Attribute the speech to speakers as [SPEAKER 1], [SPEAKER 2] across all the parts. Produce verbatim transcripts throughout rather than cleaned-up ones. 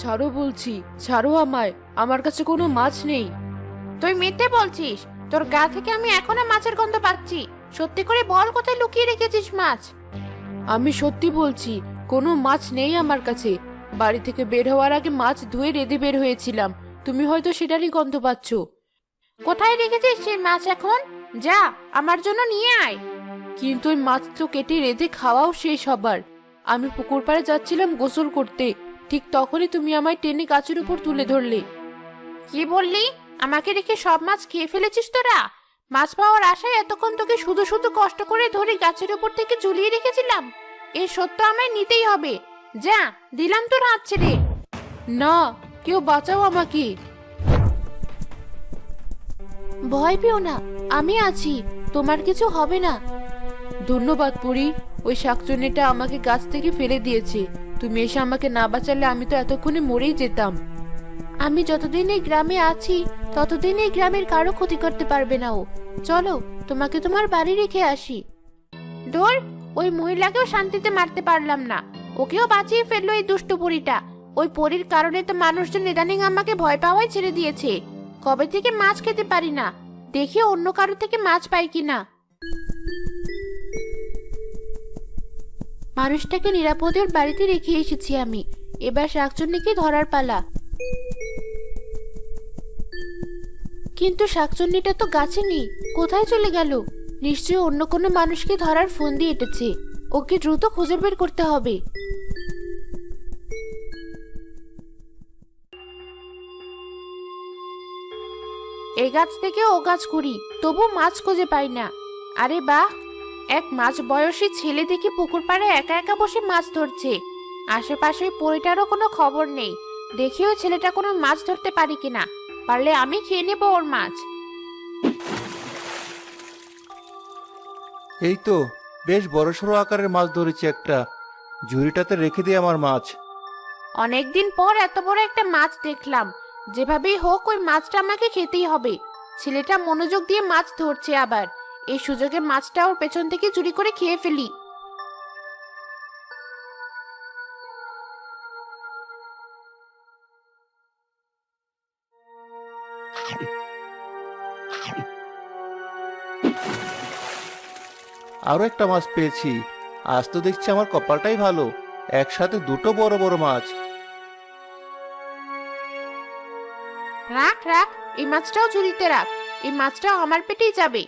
[SPEAKER 1] ছাড়ো বলছি, ছাড়ো আমায়, আমার কাছে কোনো মাছ নেই।
[SPEAKER 2] তুই মিথ্যে বলছিস, তোর গা থেকে আমি এখনো মাছের গন্ধ পাচ্ছি। সত্যি করে বল, কোথায় লুকিয়ে রেখেছিস মাছ?
[SPEAKER 1] আমি সত্যি বলছি, কোনো মাছ নেই আমার কাছে। বাড়ি থেকে বের হওয়ার আগে মাছ ধুয়ে রেঁধে বের হয়েছিলাম, তুমি হয়তো সেটারই গন্ধ পাচ্ছ।
[SPEAKER 2] কোথায় রেখেছিস সেই মাছ এখন? যা, আমার জন্য নিয়ে আয়।
[SPEAKER 1] কিন্তু ওই মাছ তো কেটে রেঁধে খাওয়াও শেষ হবার। আমি পুকুর পাড়ে যাচ্ছিলাম গোসল করতে, ঠিক তখনই তুমি আমায় টেনে গাছের উপর তুলে ধরলে।
[SPEAKER 2] কি বললি? আমাকে রেখে সব মাছ খেয়ে ফেলেছিস তোরা? মাছ পাওয়ার আশায় এতক্ষণ তোকে শুধু শুধু কষ্ট করে ধরে গাছের উপর থেকে ঝুলিয়ে রেখেছিলাম। এর সত্য আমায় নিতেই হবে। যা, দিলাম তোর হাত ছেড়ে।
[SPEAKER 1] না, কেউ বাঁচাও আমাকে।
[SPEAKER 2] ভয় পেও না, আমি আছি, তোমার কিছু হবে না।
[SPEAKER 1] ধন্যবাদ পরি, ওই শাকচুন্নিটা আমাকে গাছ থেকে ফেলে দিয়েছে। তুমি এসে আমাকে না বাঁচালে আমি তো এতক্ষণে মরেই যেতাম।
[SPEAKER 2] আমি যতদিন এই গ্রামে আছি ততদিন এই গ্রামের কারো ক্ষতি করতে পারবে না ও। চলো, তোমাকে তোমার বাড়ি রেখে আসি। ধর, ওই মহিলাকেও শান্তিতে মারতে পারলাম না, ওকেও বাঁচিয়ে ফেললো এই দুষ্টু পরীটা। ওই পরীর কারণে তো মানুষজন ইদানিং আমাকে ভয় পাওয়াই ছেড়ে দিয়েছে। কবে থেকে মাছ খেতে পারি না, দেখি অন্য কারো থেকে মাছ পাই কিনা। মানুষটাকে নিরাপদে ওর বাড়িতে রেখে এসেছি আমি, এবার শাকচুন্নিকে ধরার পালা। কিন্তু শাকচুন্নিটা তো গাছে নেই, কোথায় চলে গেল? নিশ্চয়ই অন্য কোনো মানুষকে ধরার ফোন দিয়ে এটেছে। ওকে দ্রুত খুঁজে বের করতে হবে। এই গাছ থেকে ও গাছ ঘুরি, তবু মাছ খুঁজে পাই না। আরে বাহ, এক মাছ বয়সী ছেলে দেখি পুকুর পাড়ে একা একা বসে মাছ ধরছে। আশেপাশে পরিটারও কোনো খবর নেই। দেখি ওই ছেলেটা কোনো মাছ ধরতে পারি কিনা, পারলে আমি খেয়ে নেবো ওর মাছ।
[SPEAKER 3] এই তো বেশ বড়সড় আকারের মাছ ধরেছি একটা। ঝুড়িটাতে রেখে দিই আমার মাছ।
[SPEAKER 2] অনেকদিন পর এত বড় একটা মাছ দেখলাম। যেভাবেই হোক ওই মাছটা আমাকে খেতেই হবে। ছেলেটা মনোযোগ দিয়ে মাছ ধরছে, আবার এই সুযোগে মাছটা ওর পেছন থেকে চুরি করে খেয়ে ফেলি।
[SPEAKER 3] আরো একটা মাছ পেয়েছি। আজ তো দেখছি আমার কপালটাই ভালো, একসাথে দুটো বড় বড় মাছ।
[SPEAKER 2] রাখ রাখ, এই মাছটাও ঝুড়িতে রাখ, এই মাছটাও আমার পেটেই যাবে।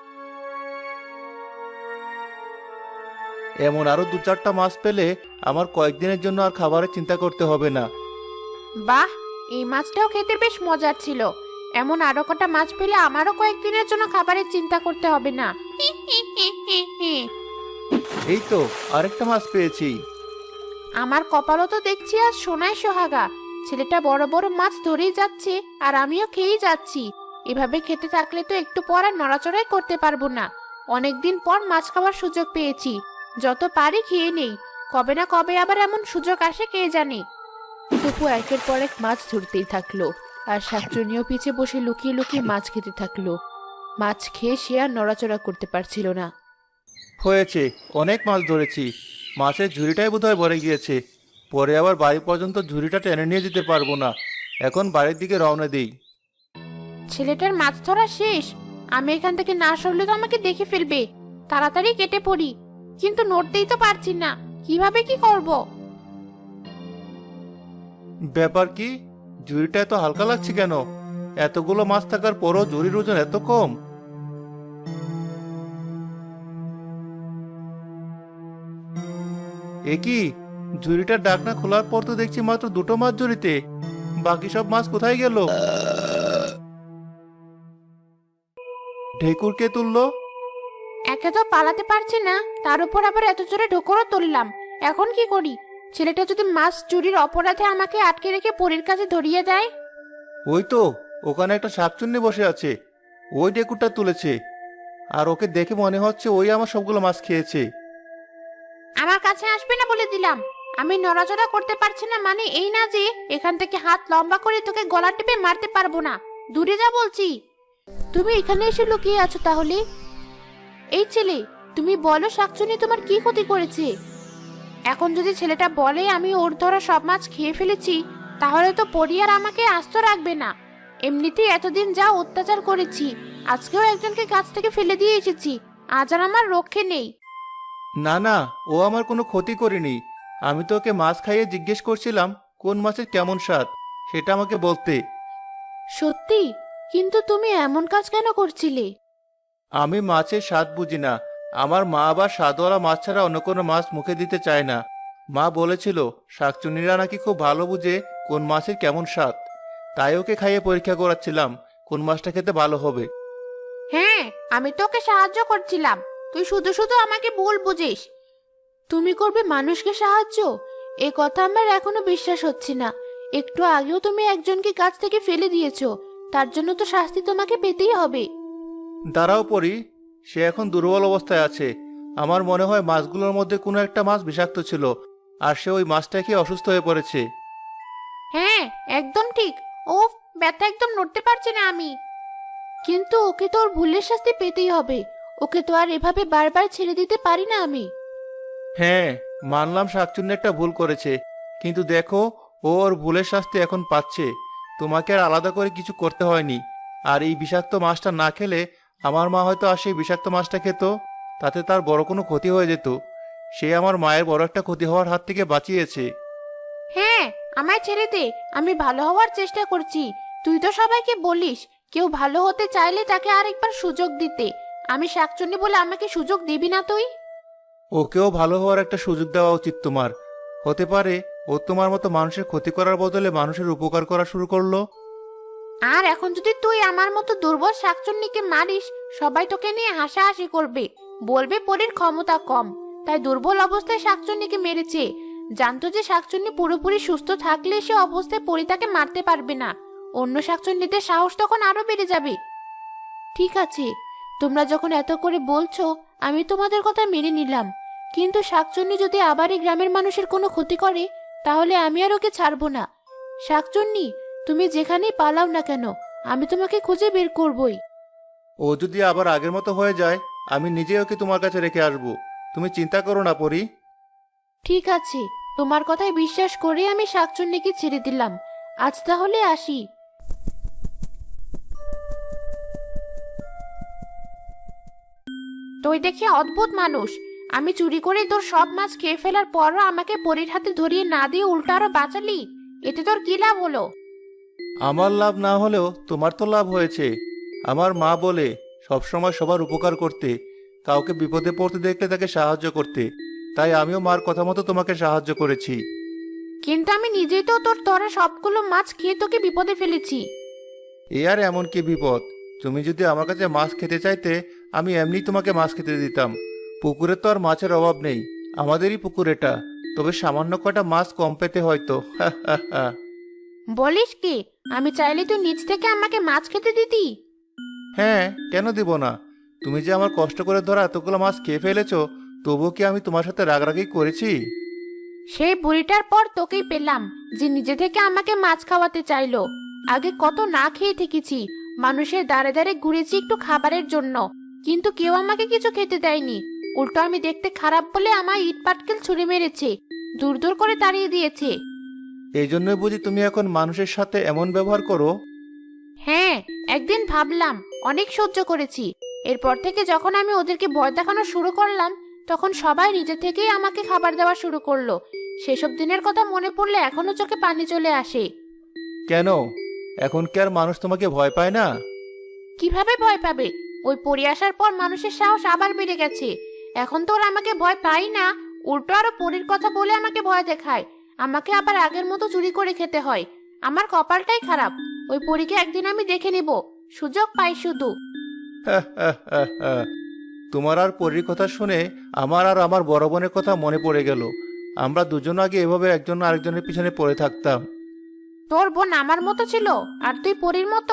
[SPEAKER 3] এমন আরো দু চারটা মাছ পেলে আমার কয়েকদিনের জন্য আর খাবারের চিন্তা করতে হবে না।
[SPEAKER 2] বাহ, এই মাছটাও খেতে বেশ মজার ছিল। এমন আরো কটা মাছ পেলে আমারও কয়েকদিনের জন্য খাবারের চিন্তা করতে হবে না।
[SPEAKER 3] এই তো আরেকটা মাছ পেয়েছি।
[SPEAKER 2] আমার কপালও তো দেখছি আজ সোনায় সোহাগা। ছেলেটা বড় বড় মাছ ধরেই যাচ্ছে আর আমিও খেয়েই যাচ্ছি। এভাবে খেতে থাকলে তো একটু পর আর নড়াচড়াই করতে পারবো না। অনেকদিন পর মাছ খাওয়ার সুযোগ পেয়েছি, যত পারি খেয়ে নেই। কবে না কবে আবার এমন সুযোগ আসে কে জানে।
[SPEAKER 1] তপু একের পর এক মাছ ধরতেই থাকলো, আর শাকচুন্নিও পিছে বসে লুকিয়ে লুকিয়ে মাছ খেতে থাকলো। মাছ খেয়ে সে আর নড়াচড়া করতে পারছিল না।
[SPEAKER 3] হয়েছে, অনেক মাছ ধরেছি। মাছের ঝুড়িটাই বোধহয় ভরে গিয়েছে। পরে আবার বাড়ি পর্যন্ত ঝুড়িটা টেনে নিয়ে যেতে পারবো না। এখন বাড়ির দিকে রওনা দিই।
[SPEAKER 2] ছেলেটার মাছ ধরা শেষ। আমি এখান থেকে না সরলে তো আমাকে দেখে ফেলবে। তাড়াতাড়ি কেটে পড়ি, কিন্তু নড়তেই তো পারছি না, কিভাবে কি করব?
[SPEAKER 3] ব্যাপার কি? ঝুড়িটা এত হালকা লাগছে কেন? এতগুলো মাছ থাকার পরও ঝুড়ির ওজন এত কম। এ কি, ঝুড়িটার ঢাকনা খোলার পর তো দেখছি মাত্র দুটো মাছ ঝুড়িতে। বাকি সব মাছ কোথায় গেল? ঢেকুর কে তুললো?
[SPEAKER 2] একে তো পালাতে পারছি না, তার উপর আবার এত জোরে ঢোকরও তুললাম। এখন কি করি? ছেলেটা যদি মাছ চুরির অপরাধে আমাকে আটকে রেখে পরীর কাছে ধরিয়ে দেয়?
[SPEAKER 3] ওই তো ওখানে একটা শাকচুন্নি বসে আছে, ওই ঢেকুরটা তুলেছে। আর ওকে দেখে মনে হচ্ছে ওই আমার সবগুলো মাছ খেয়েছে।
[SPEAKER 2] আমার কাছে আসবে না বলে দিলাম। আমি নড়াচড়া করতে পারছি না মানে এই না যে এখান থেকে হাত লম্বা করে তোকে গলা টিপে মারতে পারবো না। দূরে যা বলছি। তুমি এখানে এসে লুকিয়ে আছো তাহলে? এই ছেলে, তুমি বলো শাকচুন্নি তোমার কি ক্ষতি করেছে? এখন যদি ছেলেটা বলে আমি ওর ধরা সব মাছ খেয়ে ফেলেছি, তাহলে তো পরি আর আমাকে আস্ত রাখবে না। এমনিতেই এতদিন যা অত্যাচার করেছি, আজকেও একজনকে গাছ থেকে ফেলে দিয়ে এসেছি, আজ আর আমার রক্ষে নেই।
[SPEAKER 3] না না, ও আমার কোনো ক্ষতি করেনি। আমি তো ওকে মাছ খাইয়ে জিজ্ঞেস করছিলাম কোন মাছের কেমন স্বাদ, সেটা আমাকে বলতে।
[SPEAKER 2] সত্যি? কিন্তু তুমি এমন কাজ কেন করছিলে?
[SPEAKER 3] আমি মাছের স্বাদ বুঝি না। আমার মা আবার স্বাদওয়ালা মাছ ছাড়া অন্য কোনো মাছ মুখে দিতে চায় না। মা বলেছিল শাকচুন্নিরা নাকি খুব ভালো বুঝে কোন মাছের কেমন স্বাদ। তাই ওকে খাইয়ে পরীক্ষা করাচ্ছিলাম কোন মাছটা খেতে ভালো হবে।
[SPEAKER 2] হ্যাঁ, আমি তোকে সাহায্য করছিলাম, তুই শুধু শুধু আমাকে ভুল বুঝিস। তুমি করবে মানুষকে সাহায্য? এ কথা আমার এখনো বিশ্বাস হচ্ছে না। একটু আগেও তুমি একজনকে গাছ থেকে ফেলে দিয়েছো, তার জন্য তো শাস্তি তোমাকে পেতেই হবে।
[SPEAKER 3] দাঁড়াও পরি, সে এখন দুর্বল অবস্থায় আছে। আমার মনে হয় মাছগুলোর মধ্যে কোনো একটা মাছ বিষাক্ত ছিল, আর সে ওই মাছটা খেয়ে অসুস্থ হয়ে পড়েছে।
[SPEAKER 2] হ্যাঁ, একদম ঠিক। ও, ব্যথা, একদম নড়তে পারছি না আমি। কিন্তু ওকে তো ওর ভুলের শাস্তি পেতেই হবে। ওকে তো আর এভাবে বারবার ছেড়ে দিতে পারি না আমি।
[SPEAKER 3] হ্যাঁ, মানলাম শাকচুন্নি একটা ভুল করেছে, কিন্তু দেখো ও ওর ভুলের শাস্তি এখন পাচ্ছে। তোমাকে আর আলাদা করে কিছু করতে হয়নি। আর এই বিষাক্ত মাছটা না খেলে আমার মা হয়তো আর সেই বিষাক্ত মাছটা খেত, তাতে তার বড় কোনো ক্ষতি হয়ে যেত। সে আমার মায়ের বড় একটা ক্ষতি হওয়ার হাত থেকে বাঁচিয়েছে।
[SPEAKER 2] হ্যাঁ, আমায় ছেড়ে দে, আমি ভালো হওয়ার চেষ্টা করছি। তুই তো সবাইকে বলিস কেউ ভালো হতে চাইলে তাকে আরেকবার সুযোগ দিতে। আমি শাকচুন্নি বলে আমাকে সুযোগ দিবি না তুই?
[SPEAKER 3] ওকেও ভালো হওয়ার একটা সুযোগ দেওয়া উচিত তোমার। হতে পারে ও তোমার মতো মানুষের ক্ষতি করার বদলে মানুষের উপকার করা শুরু করলো।
[SPEAKER 2] আর এখন যদি তুই আমার মতো দুর্বল শাকচুন্নিকে মারিস, সবাই তোকে নিয়ে হাসাহাসি করবে, বলবে পরীর ক্ষমতা কম, তাই দুর্বল অবস্থায় শাকচুন্নিকে মেরেছে। জানতো যে শাকচুন্নি পুরোপুরি সুস্থ থাকলে সে অবস্থায় পরী তাকে মারতে পারবে না। অন্য শাকচুন্নিদের সাহস তখন আরো বেড়ে যাবে। ঠিক আছে, তোমরা যখন এত করে বলছো, আমি তোমাদের কথা মেনে নিলাম। কিন্তু শাকচুন্নি যদি আবার এই গ্রামের মানুষের কোনো ক্ষতি করে, তাহলে আমি আর ওকে ছাড়বো না। শাকচুন্নি, তুমি যেখানেই পালাও না কেন, আমি তোমাকে খুঁজে বের করবই।
[SPEAKER 3] ও যদি আবার আগের মতো হয়ে যায়, আমি নিজে ওকে তোমার কাছে রেখে আসবো। তুমি চিন্তা করো না পরি।
[SPEAKER 2] ঠিক আছে, তোমার কথায় বিশ্বাস করে আমি শাকচুন্নিকে ছেড়ে দিলাম। আজ তাহলে আসি। তুই দেখি অদ্ভুত মানুষ। আমি চুরি করে তোর সব মাছ খেয়ে ফেলার পরও আমাকে পরীর হাতে ধরিয়ে না দিয়ে উল্টো আরো বাঁচালি। এতে তোর কি লাভ হলো?
[SPEAKER 3] আমার লাভ না হলেও তোমার তো লাভ হয়েছে। আমার মা বলে সবসময় সবার উপকার করতে, কাউকে বিপদে পড়তে দেখলে তাকে সাহায্য করতে। তাই আমিও মার কথা মতো তোমাকে সাহায্য করেছি।
[SPEAKER 2] কিন্তু আমি নিজেই তো তোর ধরা সবগুলো মাছ খেয়ে তোকে বিপদে ফেলেছি।
[SPEAKER 3] এ আর এমন কি বিপদ? তুমি যদি আমার কাছে মাছ খেতে চাইতে, আমি এমনি তোমাকে মাছ খেতে দিতাম। পুকুরে তো আর মাছের অভাব নেই, আমাদেরই পুকুর এটা। তবে সামান্য কটা মাছ কম পেতে হয়তো। হা হা হা।
[SPEAKER 2] বলিস কি? আমি চাইলে তুই নিজ থেকে আমাকে মাছ খেতে দিতি।
[SPEAKER 3] হ্যাঁ, কেন দিব না? তুমি যে আমার কষ্ট করে ধরা এতগুলো মাছ খেয়ে ফেলেছো, তবুও কি আমি তোমার সাথে রাগারাগি করেছি?
[SPEAKER 2] সেই বুড়িটার পর তোকেই পেলাম, যে নিজে থেকে আমাকে মাছ খাওয়াতে চাইলো। আগে কত না খেয়ে থেকেছি, মানুষের দাঁড়ে দাঁড়ে ঘুরেছি একটু খাবারের জন্য, কিন্তু কেউ আমাকে কিছু খেতে দেয়নি। উল্টো আমি দেখতে খারাপ বলে আমায় ইট পাটকেল ছুঁড়ে মেরেছে, দূর দূর করে তাড়িয়ে দিয়েছে।
[SPEAKER 3] এই জন্যই বুঝি তুমি এখন মানুষের সাথে এমন ব্যবহার করো?
[SPEAKER 2] হ্যাঁ, একদিন ভাবলাম, অনেক সহ্য করেছি। এরপর থেকে যখন আমি ওদেরকে ভয় দেখানো শুরু করলাম, তখন সবাই নিজে থেকেই আমাকে খাবার দেওয়া শুরু করলো। সেসব দিনের কথা মনে পড়লে এখনো চোখে পানি চলে আসে।
[SPEAKER 3] কেন? এখন কি আর মানুষ তোমাকে ভয় পায় না?
[SPEAKER 2] কিভাবে ভয় পাবে? ওই পড়ে আসার পর মানুষের সাহস আবার বেড়ে গেছে। এখন তো ওরা আমাকে ভয় পাই না, উল্টো আরো পরীর কথা বলে আমাকে ভয় দেখায়। আমাকে আবার আগের মতো চুরি করে খেতে হয়। আমার কপালটাই খারাপ। ওই পরীকে একদিন আমি দেখে নেব, সুযোগ পাই শুধু।
[SPEAKER 3] হা হা হা হা। তোমার আর পরীর কথা শুনে আমার আর আমার বড় বোনের কথা মনে পড়ে গেল। আমরা দুজন আগে এভাবে একজন আরেকজনের পিছনে পড়ে থাকতাম।
[SPEAKER 2] তোর বোন আমার মতো ছিল আর তুই পরীর মতো?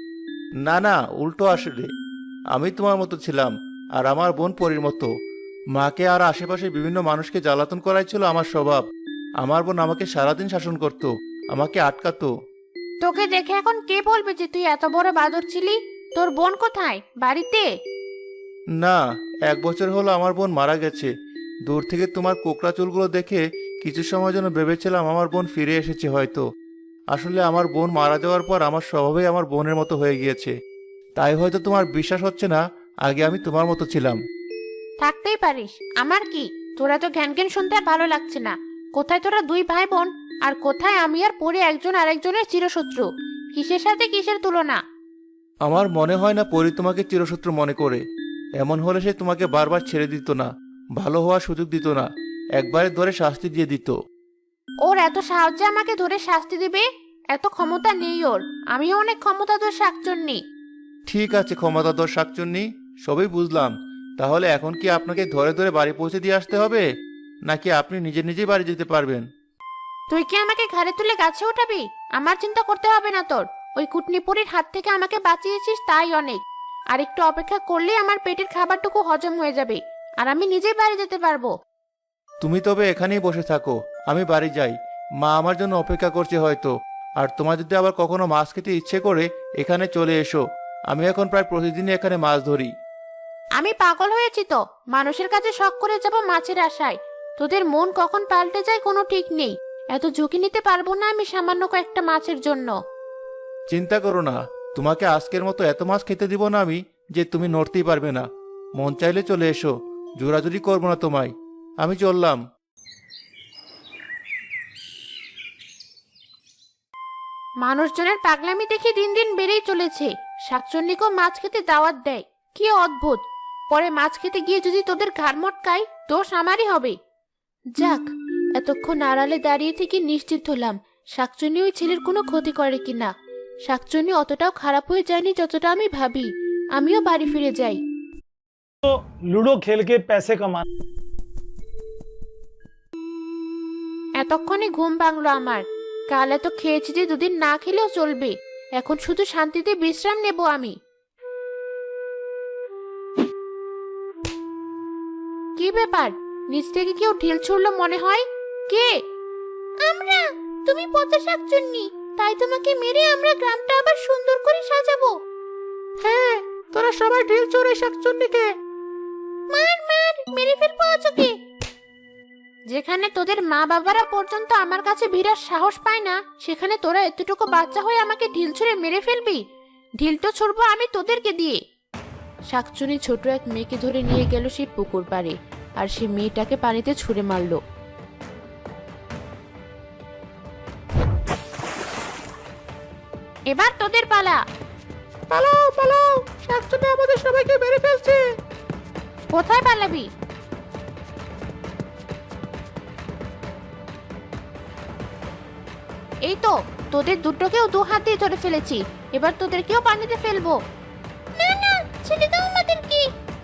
[SPEAKER 3] না না, উল্টো আসলে আমি তোমার মতো ছিলাম আর আমার বোন পরীর মতো। মাকে আর আশেপাশে বিভিন্ন মানুষকে জ্বালাতন করাই ছিল আমার স্বভাব। আমার বোন আমাকে সারাদিন শাসন করত, আমাকে আটকাতো।
[SPEAKER 2] তোকে দেখে এখন কে বলবে যে তুই এত বড় বাদর ছিলি? তোর বোন কোথায়? বাড়িতে?
[SPEAKER 3] না, এক বছর হলো আমার বোন মারা গেছে। দূর থেকে তোমার কোকড়া চুলগুলো দেখে কিছু সময় জন্য ভেবেছিলাম আমার বোন ফিরে এসেছে হয়তো। আসলে আমার বোন মারা যাওয়ার পর আমার স্বভাবই আমার বোনের মতো হয়ে গিয়েছে। তাই হয়তো তোমার বিশ্বাস হচ্ছে না, আগে আমি তোমার মতো ছিলাম।
[SPEAKER 2] থাকতেই পারিস, আমার কি? তোরা তো জ্ঞান জ্ঞান শুনতে আর ভালো লাগছে না। কোথায় তোরা দুই ভাই বোন, আর কোথায় আমি আর পরে একজন আরেকজনের চিরশত্রু? কিসের সাথে কিসের তুলনা?
[SPEAKER 3] আমার মনে হয় না পরি তোমাকে চিরশত্রু মনে করে। এমন হলে সে তোমাকে বারবার ছেড়ে দিত না, ভালো হওয়ার সুযোগ দিত না, একবারে ধরে শাস্তি দিয়ে দিত।
[SPEAKER 2] ওর এত সাহায্যে আমাকে ধরে শাস্তি দিবে? এত ক্ষমতা নেই ওর। আমিও অনেক ক্ষমতা তোর শাকচন্নি।
[SPEAKER 3] ঠিক আছে ক্ষমতাধর শাকচুন্নি, সবই বুঝলাম। তাহলে এখন কি আপনাকে ধরে ধরে বাড়ি পৌঁছে দিয়ে আসতে হবে, নাকি আপনি নিজে নিজেই বাড়ি যেতে পারবেন?
[SPEAKER 2] তুই কি আমাকে ঘাড়ে তুলে গাছে উঠাবি? আমার চিন্তা করতে হবে না তোর। ওই কুটনিপুরির হাত থেকে আমাকে বাঁচিয়েছিস, তাই অনেক। আর একটু অপেক্ষা করলেই আমার পেটের খাবারটুকু হজম হয়ে যাবে, আর আমি নিজেই বাড়ি যেতে পারবো।
[SPEAKER 3] তুমি তবে এখানেই বসে থাকো, আমি বাড়ি যাই। মা আমার জন্য অপেক্ষা করছে হয়তো। আর তোমার যদি আবার কখনো মাছ খেতে ইচ্ছে করে এখানে চলে এসো। আমি এখন প্রায় প্রতিদিনই এখানে মাছ ধরি।
[SPEAKER 2] আমি পাগল হয়েছি তো, মানুষের কাছে শখ করে যাব মাছের আশায়। তোদের মন কখন পাল্টে যায় কোনো ঠিক নেই। এত ঝুঁকি নিতে পারবো না আমি সামান্য কয়েকটা মাছের জন্য।
[SPEAKER 3] চিন্তা করো না, তোমাকে আজকের মতো এত মাছ খেতে দিব না আমি যে তুমি নড়তেই পারবে না। মন চাইলে চলে এসো, জোরাজুরি করবো না তোমায়। আমি চললাম।
[SPEAKER 2] মানুষজনের পাগলামি দেখে দিন দিন বেড়েই চলেছে। শাকচন্নিকেও মাছ খেতে দাওয়াত দেয়, কি অদ্ভুত। পরে মাছ খেতে গিয়ে যদি তোদের ঘাড় মটকাই, দোষ আমারই হবে।
[SPEAKER 1] যাক, এতক্ষণ আড়ালে দাঁড়িয়ে থেকে নিশ্চিত হলাম শাকচুন্নি ওই ছেলের কোনো ক্ষতি করে কিনা। শাকচুন্নি অতটাও খারাপ হয়ে যায়নি যতটা আমি ভাবি। আমিও বাড়ি ফিরে যাই।
[SPEAKER 4] तो लूडो खेल के पैसे कमा।
[SPEAKER 2] এতক্ষণে ঘুম ভাঙলো আমার। কাল এত খেয়েছি যে দুদিন না খেলেও চলবে। এখন শুধু শান্তিতে বিশ্রাম নেব আমি। কি ব্যাপার? নিচ থেকে কেউ ঢিল ছুড়লো মনে হয়। কে? আমরা। তুমি পচা শাকচুন্নি, তাই তোমাকে মেরে আমরা গ্রামটা আবার সুন্দর করে সাজাবো।
[SPEAKER 3] হ্যাঁ, তোরা সবাই ঢিল চড়ে শাকচুন্নিকে
[SPEAKER 2] মার মার, মেরে ফেলবো আজকে। যেখানে তোদের মা বাবারা পর্যন্ত আমার কাছে ভিড়ার সাহস পায় না, সেখানে তোরা এতটুকু বাচ্চা হয়ে আমাকে ঢিল ছুঁড়ে মেরে ফেলবি? ঢিল তো ছুড়বো আমি তোদেরকে দিয়ে।
[SPEAKER 1] শাকচুনি ছোট এক মেয়েকে ধরে নিয়ে গেল সেই পুকুর পাড়ে, আর সে মেয়েটাকে পানিতে ছুঁড়ে মারলো।
[SPEAKER 2] এবার তোদের পালা।
[SPEAKER 3] পালাও পালাও, শাকচুন্নি আমাদের সবাইকে মেরে ফেলছে।
[SPEAKER 2] কোথায় পালাবি? এই তো, তোদের দুটোকেও দু হাত দিয়ে ধরে ফেলেছি। এবার তোদেরকেও পানিতে ফেলবো। না না, ছেড়ে দাও আমাদেরকে।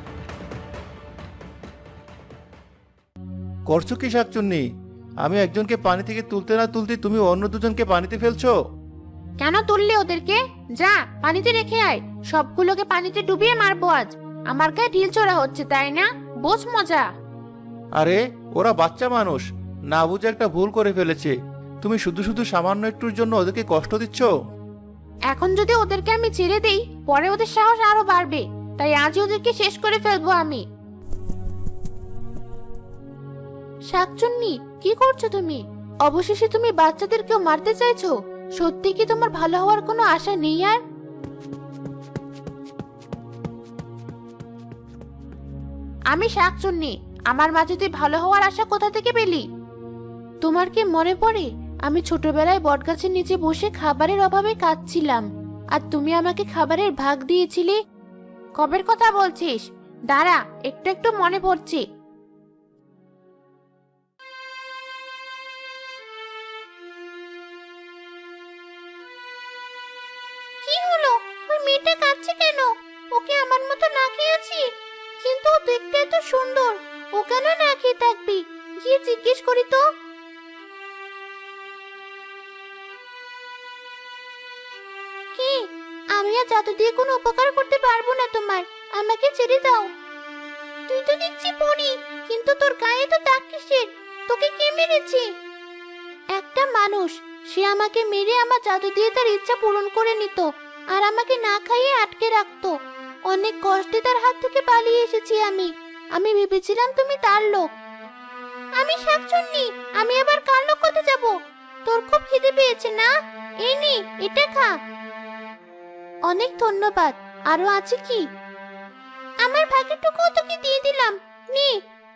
[SPEAKER 3] করছো কি শাকচুন্নি? আমি একজনকে পানি থেকে তুলতে না তুলতে তুমি অন্য দুজনকে পানিতে ফেলছো।
[SPEAKER 2] কেন তুললে ওদেরকে? যা পানিতে রেখে আয়। সবগুলোকে পানিতে ডুবিয়ে মারবো আজ। আমার গায়ে ঢিল ছোড়া হচ্ছে, তাই না? বোঝ মজা।
[SPEAKER 3] আরে ওরা বাচ্চা মানুষ, না বুঝে একটা ভুল করে ফেলেছে। তুমি শুধু শুধু সামান্য একটুর জন্য ওদেরকে কষ্ট দিচ্ছ।
[SPEAKER 2] এখন যদি ওদেরকে আমি ছেড়ে দেই, পরে ওদের সাহস আরো বাড়বে। তাই আজই ওদেরকে শেষ করে ফেলবো আমি।
[SPEAKER 1] শাকচুন্নি, কি করছো তুমি? অবশেষে তুমি বাচ্চাদেরকেও মারতে চাইছো? সত্যি কি তোমার ভালো হওয়ার কোনো আশা নেই আর?
[SPEAKER 2] আমি শাকচুন্নি, আমার মাঝে তুই ভালো হওয়ার আশা কোথা থেকে পেলি?
[SPEAKER 1] তোমার কি মনে পড়ে আমি ছোটবেলায় বটগাছের নিচে বসে খাবারের অভাবে কাঁদছিলাম, আর তুমি আমাকে খাবারের ভাগ দিয়েছিলে?
[SPEAKER 2] কবের কথা বলছিস? দাঁড়া, একটু একটু মনে পড়ছে। কি হলো? ওই মেয়েটা কাঁদছে কেন? ওকে আমার মতো না খেয়েছি, কিন্তু ও দেখতে এত সুন্দর। ও কেন না খেয়ে থাকবি? গিয়ে জিজ্ঞেস করি তো। কি? আমি আর জাদু দিয়ে কোনো উপকার করতে পারবো না তোমার। আমাকে ছেড়ে দাও। তুই তো দেখছি পড়ি, কিন্তু তোর গায়ে তো দাগ কিসের? তোকে কে মেরেছে?
[SPEAKER 1] একটা মানুষ, সে আমাকে মেরে আমার জাদু দিয়ে তার ইচ্ছা পূরণ করে নিত, আর আমাকে না খাইয়ে আটকে রাখতো। অনেক কষ্টে তার হাত থেকে পালিয়ে এসেছি আমি। আমি ভেবেছিলাম তুমি তার লোক।
[SPEAKER 2] আমি শাকচুন্নি, আমি আবার কার লোক হতে যাব? তোর খুব খিদে পেয়েছে না?
[SPEAKER 1] এই নে এটা খা। অনেক ধন্যবাদ। আরো আছে কি? আমার ভাগেরটুকু তোকে দিয়ে দিলাম, নে।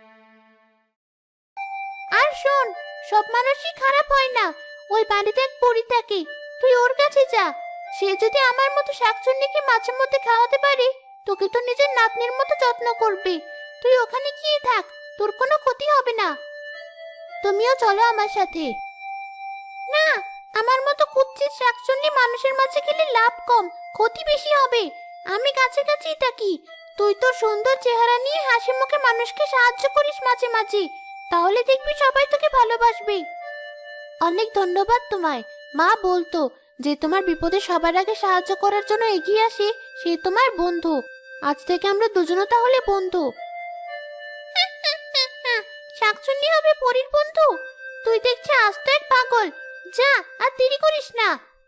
[SPEAKER 1] আর শোন, সব মানুষই খারাপ হয় না। ওই বাড়িতে এক পরী থাকে, তুই ওর কাছে যা। সে যদি আমার মতো শাকচুন্নিকে মাঝে মধ্যে খাওয়াতে পারে, তোকে তো নিজের নাতনির মতো যত্ন করবে। তুই ওখানে গিয়ে থাক, তোর কোনো ক্ষতি হবে না। তুমিও চলো আমার সাথে। না, আমার মতো কুৎসিত শাকচুন্নি মানুষের মাঝে গেলে লাভ কম, ক্ষতি বেশি হবে। আমি কাছে কাছেই থাকি। তুই তোর সুন্দর চেহারা নিয়ে হাসি মুখে মানুষকে সাহায্য করিস মাঝে মাঝে, তাহলে দেখবি সবাই তোকে ভালোবাসবে। অনেক ধন্যবাদ তোমায়। মা বলতো যে তোমার বিপদে সবার আগে সাহায্য করার জন্য এগিয়ে আসে সে তোমার বন্ধু। আজ থেকে আমরা দুজনও তাহলে বন্ধু। শাকচুন্নি হবে পরীর বন্ধু? তুই দেখছি আস্ত এক পাগল। যা, আর দেরি করিস না।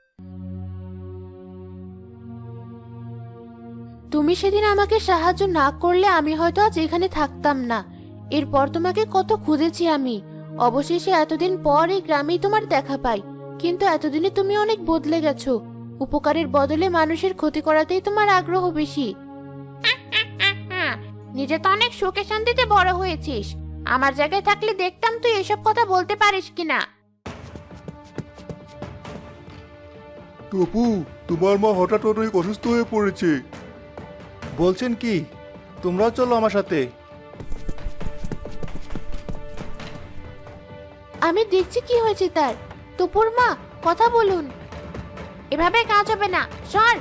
[SPEAKER 2] তুমি সেদিন আমাকে সাহায্য না করলে আমি হয়তো আজ এখানে থাকতাম না। এরপর তোমাকে কত খুঁজেছি আমি। অবশেষে এতদিন পর এই গ্রামেই তোমার দেখা পাই। কিন্তু এতদিনে তুমি অনেক বদলে গেছো। উপকারের বদলে মানুষের ক্ষতি করাতেই তোমার আগ্রহ বেশি।
[SPEAKER 1] নিজে তো অনেক সুখে শান্তিতে বড় হয়েছিস। আমার জায়গায় থাকলে দেখতাম তুই এসব কথা বলতে পারিস কিনা।
[SPEAKER 5] টপু, তোমার মা হঠাৎ অনেক অসুস্থ হয়ে পড়েছে।
[SPEAKER 3] বলছেন কি? তোমরাও চলো আমার সাথে।
[SPEAKER 2] আমি দেখছি কি হয়েছে তার। টপুর মা, কথা বলুন।
[SPEAKER 1] এভাবে কাজ হবে না, সর।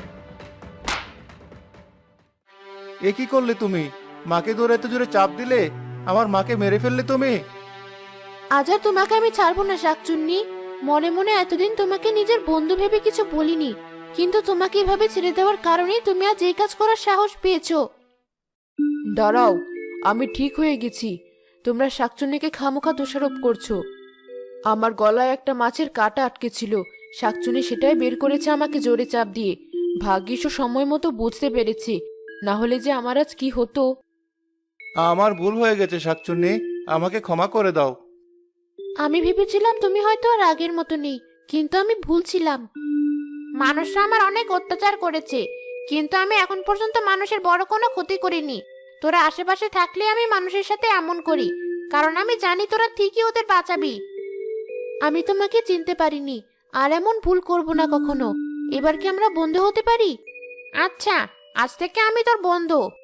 [SPEAKER 3] এ কি করলে তুমি? মাকে ধরে এত জোরে চাপ দিলে, আমার মাকে মেরে ফেললে তুমি।
[SPEAKER 2] আজ আর তোমাকে আমি ছাড়বো না শাকচুন্নি। মনে মনে এতদিন তোমাকে নিজের বন্ধু ভেবে কিছু বলিনি, কিন্তু তোমাকে এভাবে ছেড়ে দেওয়ার কারণেই তুমি আজ এই কাজ করার সাহস পেয়েছো। দাঁড়াও, আমি ঠিক হয়ে গেছি। তোমরা শাকচুন্নিকে খামোখা দোষারোপ করছো। আমার গলায় একটা মাছের কাঁটা আটকে ছিল, শাকচুন্নি সেটাই বের করেছে আমাকে জোরে চাপ দিয়ে। ভাগ্যিস ও সময় মতো বুঝতে পেরেছি, না হলে যে আমার আজ কি হতো।
[SPEAKER 3] আমার ভুল হয়ে গেছে শাকচুন্নি, আমাকে ক্ষমা করে দাও।
[SPEAKER 2] আমি ভেবেছিলাম তুমি হয়তো আর আগের মতো নেই, কিন্তু আমি ভুল ছিলাম।
[SPEAKER 1] মানুষরা আমার অনেক অত্যাচার করেছে, কিন্তু আমি এখন পর্যন্ত মানুষের বড় কোনো ক্ষতি করিনি। তোরা আশেপাশে থাকলে আমি মানুষের সাথে এমন করি, কারণ আমি জানি তোরা ঠিকই ওদের বাঁচাবি।
[SPEAKER 2] আমি তোমাকে চিনতে পারিনি, আর এমন ভুল করব না কখনো। এবার কি আমরা বন্ধু হতে পারি?
[SPEAKER 1] আচ্ছা, আজ থেকে আমি তোর বন্ধু।